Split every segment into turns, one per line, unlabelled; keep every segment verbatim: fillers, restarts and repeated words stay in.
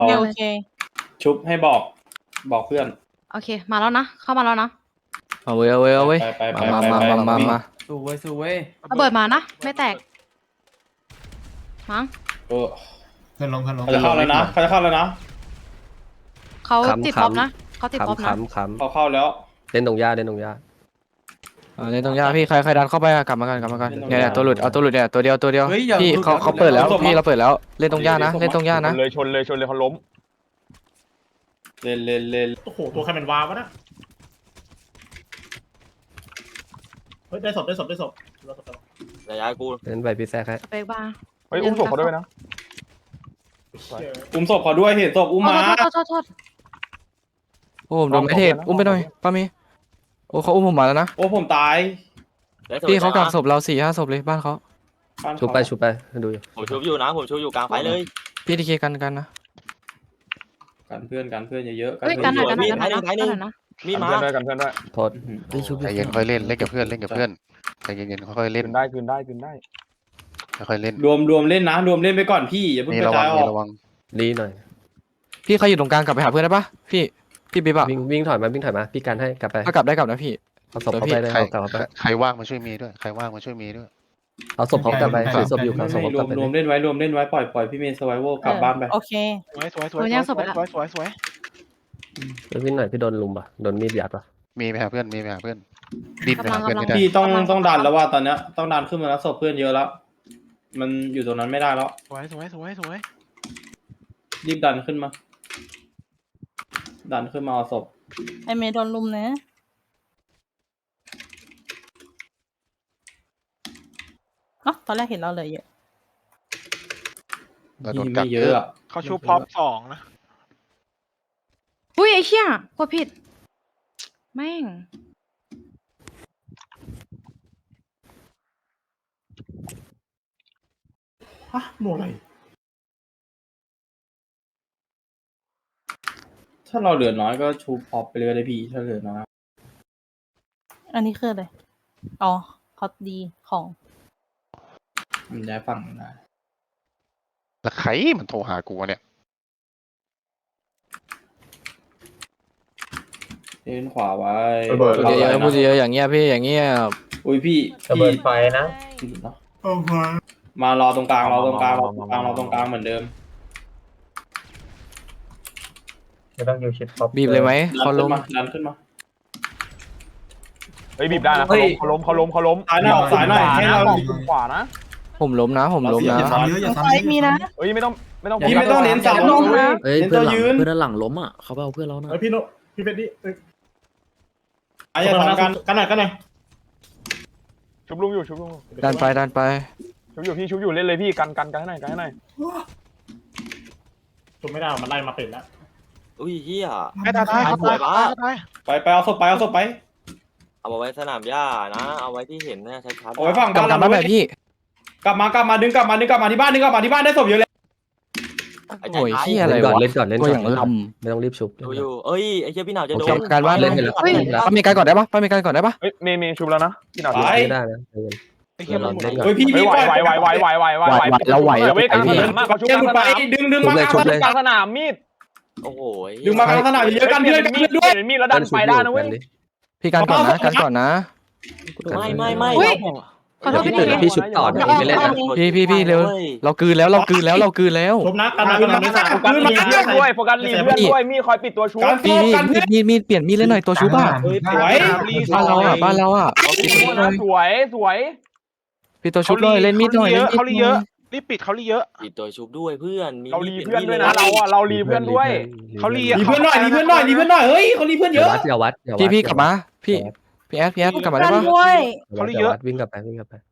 โอเคโอเค
ชุบให้บอกบอกเพื่อน
โอเคมาแล้วนะเข้ามาแล้วนะ
เอาเว้ยเอาเว้ยเอาเว้ย
ไปไปไป
มา
ไป
มา
ไป
มามา
วิ่ง
มา
สู้เว้ยสู้เว้ย
ระเบิดมานะไม่แตกมั้ง
เออ
เพื่อนลงเพื่อนลง
เขาจะเข้าแล้วนะเขาจะเข้าแล้วนะ
เขาติดป๊อปนะเขาติดป๊อป
ขำ
นะ
ขำข
เขาเข้าแล้ว
ำเล่นตรงหญ้าเล่นตรงหญ้า
เอาเล่นตรงยาพี่ใครใครดันเข้าไปอะกลับมากันกลับมากัน
เล่นตรง
เนี่ยเนี่ย
ยา
ตัวหลุดเอาตัวหลุดเนี่ยตัวเดียวตัวเดียว
เฮ้ยอย่า
พี่
หลุด
เขา
อย่า
เขาเปิดแล้ว
หลุด
พี่เราเปิดแล้วเล่นตรงยานะเล่นตรงยานะ
เลยชนเลยชนเลยเขาล้ม
เล่นเล่นเล่น
โอ้โหตัวใครเป็นวาวะนะเฮ้ยได้ศพได้ศพได้ศพได้ศพ
ระยะกู
เล่นไปพี่แซกให้
สเปกบาร์
เฮ้ยอุ้มศพเขาด้วยนะ
อุ้มศพเขาด้วยเห็นศพอุ้มมา
โทษโทษโทษ
โอ้ผมโดนไม่เทพอุ้มไปหน่อยป้ามีโอ้เขาอุ้มผมมาแล้วนะ
โอ้ผมตาย
พี่เขากักศพเราสี่ห้าศพเลยบ้านเขา
บ้านเขา
ชุบไปชุบไปดูอยู่
ผมชุบอยู่นะผมชุบอยู่กลางไฟเลย
พี่ทีเคกันกันนะ
กันเพื่อนกันเพื่อนเยอะๆ
เฮ้ยกันหน่อยกันหน่อย
มีด
กันหน่อย
มีด
กันหน่อยนะ
มีด
กัน
มา
เพื่อนด้วยกันเพื่อนด้วย
โทษ
ใจเย็นค่อยเล่นเล่นกับเพื่อนเล่นกับเพื่อนใจเย็นๆค่อยๆเล่
คื
น
นได้คืนได้คืนได้
ค่อยๆเล่น
รวมรวมเล่นนะรวมเล่นไปก่อนพี่อย่าเพิ่ง
มี
ก
ระ
ระ
วั
จาง ยอ
มี
อก
ระวัง
ดีหน่อย
พี่ใครอยู่ตรงกลางกลับไปหาเพื่อนได้ปะพี่พี่บิ๊บอะ
วิ่งวิ่งถอยมาวิ่งถอยมาพี่กันให้กลับไป
ถ้ากลับได้กลับนะพี่
เอาศพเขาไปเลย
ใคร
เอากลับไป
ใครว่างมาช่วยมีด้วยใครว่างมาช่วยมีด้วย
เอาศพเขากลับไปถือศพอยู่
ไม่
เอาศพ
ไม่
เขา
ร
ก
ว
ลับ
ม
ไป
รวมเล่นไว้รวมเล่นไว้ปล่อยปล่อยพี่เมย์สไวโวกลับบ้านไป
โอเค
สวยสวยส
โดนย่างศพไปละ
สวยสวยสวย
วิ่งหน่อยพี่โดนลุมป่ะโดนมีดยัดป่ะ
มีไปหาเพื่อนมีไปหาเพื่อนดิ้นไปหาเพื่อนไม่ได้
พี่ต้องต้องดันแล้วว่าตอนเนี้ยต้องดันขึ้นมาแล้วศพเพื่อนเยอะแล้ว มันอยู่ตรงนั้นไม่ได้แล้ว
สวยสวยสวยสวย
รีบดันขึ้นมา ดันขึ้นมาเอาศพ
ไอเมย์โดนลุมนะเนาะตอนแรกเห็นเราเลยเยอะ
เราโดน
พี่
กั
ไม่
ก
เย
เย
อะ
อะ
อะ
เขาชูพร้อมสองนะ
อุ้ยไอ้เชี่ยกดผิดแม่ง
ฮะหมวกอะไร
ถ้าเราเหลือน้อยก็ชูพอปไปเลยได้พี่ถ้าเหลือน้อย
อันนี้คืออะไรอ๋อเขาดีของ
มันย้ายฝั่งได้
แล้วใครมันโทรหากูวะเนี่ย
เล่นขวาไว้
พูดเยอะๆพูดเยอะๆอย่างเงี้ยพี่อย่างเงี้ย
อุ้ยพี่
ระเบิดไฟนะ
พี่เนอะมารอตรงกลางรอตรงกลางรอตรงกลางรอตรงกลางเหมือนเดิม
ไม่ต้องยูชิดท็อป
บีบเลยไหม
ดั
เขา
น
ล้
ขึ้น
ม
มาดันขึ้นมา
เฮ้ยบีบได้นะเขาล้มเขาล้มเขาล้มเขาล้ม
สายหน่อยออกสายหน่อยให้เรา
คุมขวานะ
ผมล้มนะผมล้มนะ
อย่าซ้ำเยอะอย่าซ้ำเยอะ
มีนะ
เฮ้ยไม่ต้องไม่ต้อง
พี่ไม่ต้องเน้นซ้ำ
ลงนะ
เอ้ย
เน้น
เพื่
ตั
อนหลัง
วยืน
เพื่อนด้านหลังล้มอ่ะเขาไปเอาเพื่อนเรานะ
เฮ้ยพี่โนพี่เป็ดดิเอ้ย
ไอ้อย่าทำกัน
กันหน่อยกันหน่อย
ชุบลุงอยู่ชุบลุง
ดันไปดันไป
ชุบอยู่พี่ชุบอยู่เล่นเลยพี่กันกันกันให้หน่อยกันให้หน่อย
ชุบไม่ได้มันไล่มาเป็ดแล้ว
อุ้ยเฮีย
ไอ้ตาตาย
สวยปะ
ไปไปเอาศพไปเอาศพไป
เอามาไว้สนามหญ้านะ เอาไว้ที่เห็นนะชัดๆ
เอาไว้ฝั่ง
กลับ
บ้าน
กลับ
เรา
มาแบบพี่
กลับมากลับมาดึงกลับมาดึงกลับมาที่บ้านดึงกลับมาที่บ้านได้ศพเยอะเลย
ไอ้ใจ
โอ้ย
ร้าย
เฮียอะไร
เล่นก่อน
วะ
เล่นก่อนเล่น
ตัว
ก่
อ
อน
ย่างล
ไม่ต้องรีบชุบ
ดูอยู่เอ้ยไอ้เชี่ยพี่หนาวจะโด
ำเก็
น
บการบ้านเล่น
เล่นแล้ว
เฮ้ย
ป้ามีการก่อนได้ปะป้ามีการก่อนได้ปะ
เฮ้ยเมย์เมย์ชุบแล้วนะพี่หนาว
ไป
ไม่ได้นะใจเย็น
ไอ้เหี้ยมันหมด
เล่นก่อน
เฮ้ยพี่
เฮ้
พี่
ยไหว
ปล่อย
ไหวไหวไหวไหวไหวไหวไหว
เราไหว
เว้ยกลางสนามมากเขาชุบ
เจ้าก
ลาง
หลุด
ส
ไป
นาม
ดึงดึง
ชุบ
มา
เลยชุบเลย
กลางสนามมีด
โอ้โห
ดึงมากลางสนามเยอะกันเพื่อนกัน
มีด
ด้วย
เห็นมีดแล้วดันไปได้นะเว้ย
พี่การก่อนนะการก่อนนะ
ไม่ไม่ไม่
อุ้ยขอโทษพี่
พี่
ที
พี่ชุบต่อนะพี่ไม่เล่นนะ
พี่พี่พี่เร็วเรากลืนแล้วเรากลืนแล้วเรากลืนแล้ว
ชุบนะกันหน่อยกันหน่อยไม่สา
โฟกัสรีเพื่อนด้วยโฟกัสรีเพื่อนด้วยมีดคอยปิดตัวชุบ
การ
พี่
โฟ
พี่
กัน
มี
เพื่อน
ดมีดมีดเปลี่ยนมีดเล่นหน่อยตัวชุบอ่ะ
เฮ้ย
สวย
บ้านเราอ่ะบ้านเราอ่ะ
สวยสวย
พี่ตัวชุบเลยเล่นมีดหน่อยเล่นมีด
เขาลีเยอะรีบปิดเขาลีเยอะ
ปิดตัวชุบด้วยเพื่อนมี
เรารีเพื่อนด้วยนะเราอ่ะเรารีเพื่อนด้วย
เขาลี
รีเพื่อนหน่อยรีเพื่อนหน่อยรีเพื่อนหน่อยเฮ้ยเขารีเพื่อนเย
อย่า
อะ
วัดอย่าวัดอย่าวัด
พี่พี่กลับมาพี่พี่แอดพี่แอดกลับมาได้ปะ
เขาเยอะวิ่งกลับไปวิ่งกลับไป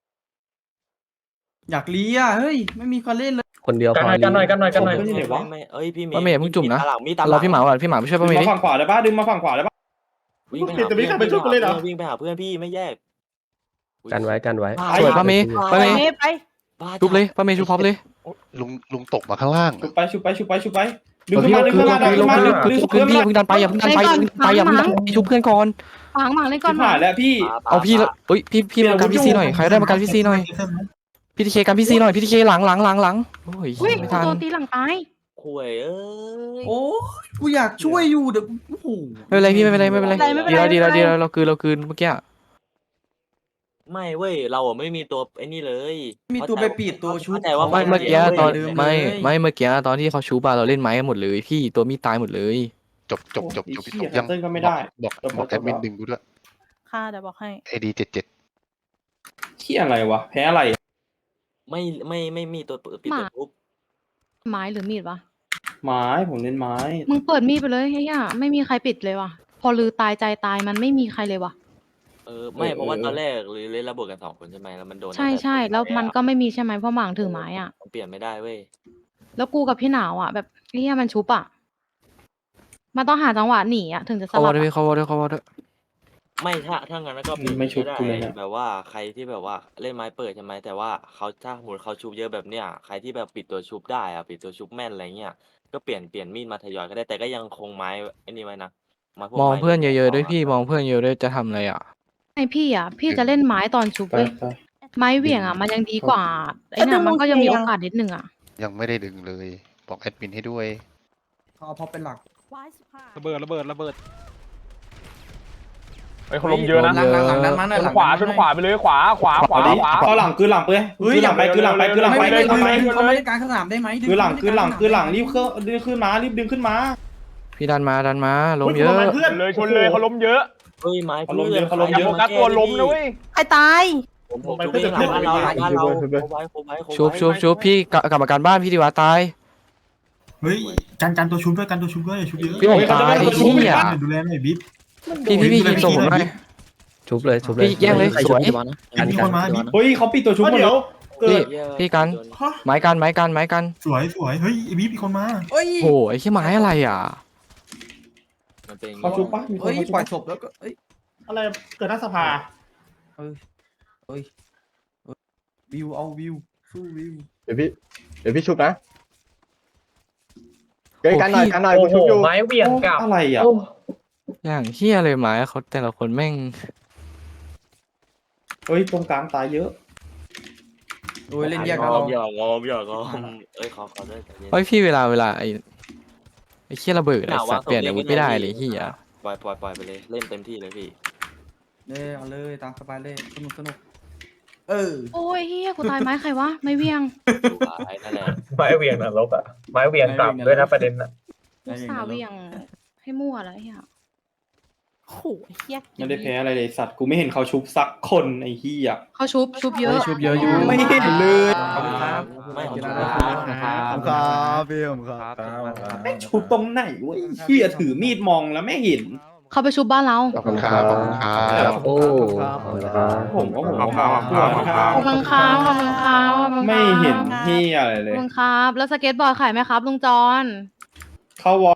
อยากเลียเฮ้ยไม่มีคนเล่นเลย
คนเดียวพอ
กันหน่อยกันหน่อยกันหน่อย
เขาที่ไหนวะ
ไม่เอ้ยพี่เมย์
ป้าเมย์เพิ่งจุ่มนะ
ตาหลังมีตาหลั
เราพี่หมาก่อนพี่หมาไปช่วย
ดึ
ป้าง เมย์
มา
ดิ
ฝั่งขวาได้ปะดึงมาฝั่งขวาได้ปะ
วิ่งไปหาเพื่อนวิ่งไปหาเพื่อนพี่ไม่แยก
กันไว้กันไว้
สวยป้าเมย์ป้าเมย์
ไป
ชุบเลยป้าเมย์ชุบพร้อมเลย
ลุงลุงตกมาข้างล่าง
ชุบไปชุบไปชุบไปชุบไปดึง
พี่
ขึ้นมาดึง
คือ
ขึ้นมาดึง
คือ
ขึ้นมาดึง
คือ
ดึง
คือ
ขึ้น
พี่
มา
อย่าเพิ่งดันไปอย่าเพิ่งดันไปอย่าเพิ่งดันไปอย่าเพิ่งดันไปชุบเพื่อนก่อน
ฝังหมังเล่นก่อน
ชิบหายแล้วพี่
เอาพี่เอ้ยพี่พี่มากันพี่ซีหน่อยใครได้มากันพี่ซีหน่อยพี่ทีเคกันพี่ซีหน่อยพี่ทีเคหลังหลังหลังหลังโอ้ย
อุ้ย
ไม่ทัน
โดนตีหลังตาย
คุยเอ้ย
โอ้ยกูอยากช่วยอยู่เดี๋ยวโอ้โห
ไม่เป็นไรพี่ไม่เป็นไรไม่เป็นไร
ไม่เป็นไร
ดีแล้ว
ไม่
ดี
เป็นไร
แล้วดีแล้วเราคืนเราคืนเมื่อกี้อะ
ไม่เว้ยเราอะไม่มีตัวไอ้นี่เลย
มีตัวไปปีดตัวชุบ
เข้าใจว่า
ไม่
น
เมื่อกี้ตอน
เดิมเลย
ไม่ไม่เมื่อกี้ตอนที่เขาชูบาเราเล่นไม้กันหมดเลยพี่ตัวมีดตายหมดเลย
จบจบจบจบ
โอ้ยเหี้ย
ยัง
แคนเซิลก็ไม่ได้
บอก
จบ
บอก
จ
แอบ ดมิน
แล้ว
ดึงกูด้วย
ค่ะเดี๋ยวบอกให้
เอดีเจ็ดเจ็ด
เที่ยอะไรวะ แพ้อะไร
ไม่ไม่ไม่มีตัวปิดตัวชุบ
ไม้หรือมีดวะ
ไม้ผมเล่นไม้
มึงเปิดมีดไปเลยไอ้เหี้ยไม่มีใครปิดเลยว่ะ พอลือตายใจตายมันไม่มีใครเลยว่ะ
เออไม่
เออ
เพราะว่า
เออ
ตอนแรกหรือเล่นระเบิดกันสองคนใช่ไหมแล้วมันโดน
ใช่ใช่แล้วมันก็ไม่มีใช่ไหมเพราะหมางถือไม้อ่ะ
มันเปลี่ยนไม่ได้เว้ย
แล้วกูกับพี่หนาวอ่ะแบบไอ้เหี้ยมันชุบอ่ะ มันต้องหาจังหวะหนีอ่ะถึงจะส
เขาว
ลั
อบ ลด้วย
อะ
พี่เขาวอลด้วยเขาวอลด้วย
ไม่ถ้าถ้างั้นก็เปลี่ยน
ไม่ชุบ
ได้
กูเลยเนี่ย
แบบว่าใครที่แบบว่าเล่นไม้เปิดใช่ไหมแต่ว่าเขาถ้าสมมติเขาชุบเยอะแบบเนี้ยใครที่แบบปิดตัวชุบได้อะปิดตัวชุบแม่นอะไรเงี้ยก็เปลี่ยนเปลี่ยนมีดมาทยอยก็ได้แต่ก็ยังคงไม้ไอ้นี่ไว้นะไม้พวก
มอง
ไม้
เพื่อนเยอะๆด้วย
ข
พี่มองเพื่อนเยอะด้วยจะทำอะไรอ่ะ
ไอพี่อ่ะ พี่จะเล่นไม้ตอนชุบ
ไป
เว้ย
ไป
ไม้เหวี่ยงอ่ะมันยังดีกว่าไอ้เนี่ยมันก็ยังมีโอกาสนิดนึงอ่ะ
ยังไม่ได้ดึงเลย บอกแอดมินให้ด้วย
เขาเอาพอเป็นหลัก
ระเบิดระเบิดระเบิดไอ้ยเขาล้มเยอะนะ
หลังหลังหลังนั้นมาหน่อย
ช
ห
น
ลัง
ขวา
นั้น
ชนขวาไปเลยขวาขวาขวา
เอาดิ
ขวา
เข้าหลังคือหลังไปคือหลังไปคือหลังไปคือหลัง
ไม่
ไป
ไม่
คือหลังไป
ไม่เขาไม่ได้การสนามได้ไหมดึง
คือหลัง
เขา
คือ
ไม่
ห
ได้
ลัง
กา
คือหลัง
สนาม
รีบเครื่องรีบขึ้นมารีบดึงขึ้นมา
พี่ดันมาดันมาล้มเยอะ
เพื่อน
เลยชนเลยเขาล้มเยอะ
เฮ้ยไม้
เขาล้มเยอะเขาล้ม
อย่า
เย
โฟ
อะ
กัสตัวล้มนะเว้ย
ใครตาย
ผมผมชุบเองหลังบ้านเราหลังบ้านเราโคไว้โคไว้โคไว้
ชุบชุบชุบพี่กลับกลับมาการบ้านพี่ดีวะตาย
เฮ้ยกันกันตัวชุบด้วยกันตัวชุบด้วยชุบเยอะ
พี่ผมตายไอ้เหี้ย
ดูแลหน่อยบิ๊บ
พี่พี่พี่ยิงส่งผมหน่อย
ชุบเลยชุบเลย
พี่แย่งเลย
ใคร
ส
ชุบ
วย
พี่บอลนะ
มีคนมาบิ๊บ
เฮ้ยเขาปิดตัวชุบหมด
เดี๋
แล้
ยว วเกิด
พี่กัน ไม้กันไม้กันไม้กัน
สวยสวยเฮ้ยบิ๊บมีคนมา
เฮ้ย
โอ้ยไอ้ขี้ไม้อะไรอ่ะ
มันเป็นอย่าง
เขา
งี้
ชุบปะมีคน
เฮ้ย
เขาชุบ
ปล่อย
ปะ
ศพแล้วก็เอ้ย
อะไรเกิดหน้าสภา
เฮ้ยเฮ้ยวิวเอาวิวสู้วิว
เดี๋ยวพี่เดี๋ยวพี่ชุบนะ
เฮ้ยกันหน่อยกันหน่อย
โอ้โหไม้เบี่ยงกลับ
อะไรอ่ะ
อย่างเฮียเลยไม้เขาแต่ละคนแม่ง
เฮ้ยตรงกลางตายเยอะ
โอ้ยเล่นแยก
ง
กัน
อ
เรา
มอย่างงอมอย่างงอมเอ้ยขอขอด้วยใจเย็น
เฮ้ยพี่เวลาเวลาไอ้ไอ้เฮียระเบิด
ห
ไอ้
นา
สั
วะ
ตว์เปลี่ยนอาวุธไม่ได้เลยเฮีย
ปล่อยปล่อยปล่อยไปเลยเล่นเต็มที่เลยพี่
เลยเอาเลยตามสบายเลยสนุกสนุกเออ
โอ้ยเฮียกูตายไม้ใครวะไม้เวียง
ดูไอ้นั่นแหละ
ไม้เบี่ยงนรกอะไม้เบี่ยงกลับด้วยนะประเด็นอะ
กูสาห์เวียงให้มั่วแล้วไอ้เฮียโอ้โหไอ้เฮีย
ไม่ได้แพ้อะไรเลยสัตว์กูไม่เห็นเขาชุบสักคนไอ้เหี้ย
เขาชุบชุบเยอะ
ชุบเยอะอยู่
ไม่เห็นเลยขอบคุณครับ
ไม่ขอบ
ข
คุ
อบ
ณ
คุณ
ค
ครั
รับบ
ครับพี่ผมครับ
แม่งชุบตรงไหนวะไอ้เหี้ยถือมีดมองแล้วไม่เห็น
เขาไปชุบบ้านเรา
ขอบคุณครับขอบคุณครับ
โอ้ขอบคุณครับ
ผมก็ผม
ขอบคุณครับ
ขอบคุณครับขอบคุณครับขอบคุณครับ
ไม่เห็นเหี้ยอะไร
ข
เล
อบ
ย
คุณครับ แล้วสเก็ตบอร์ดขายไหมครับลุงจอน
เข้าวอ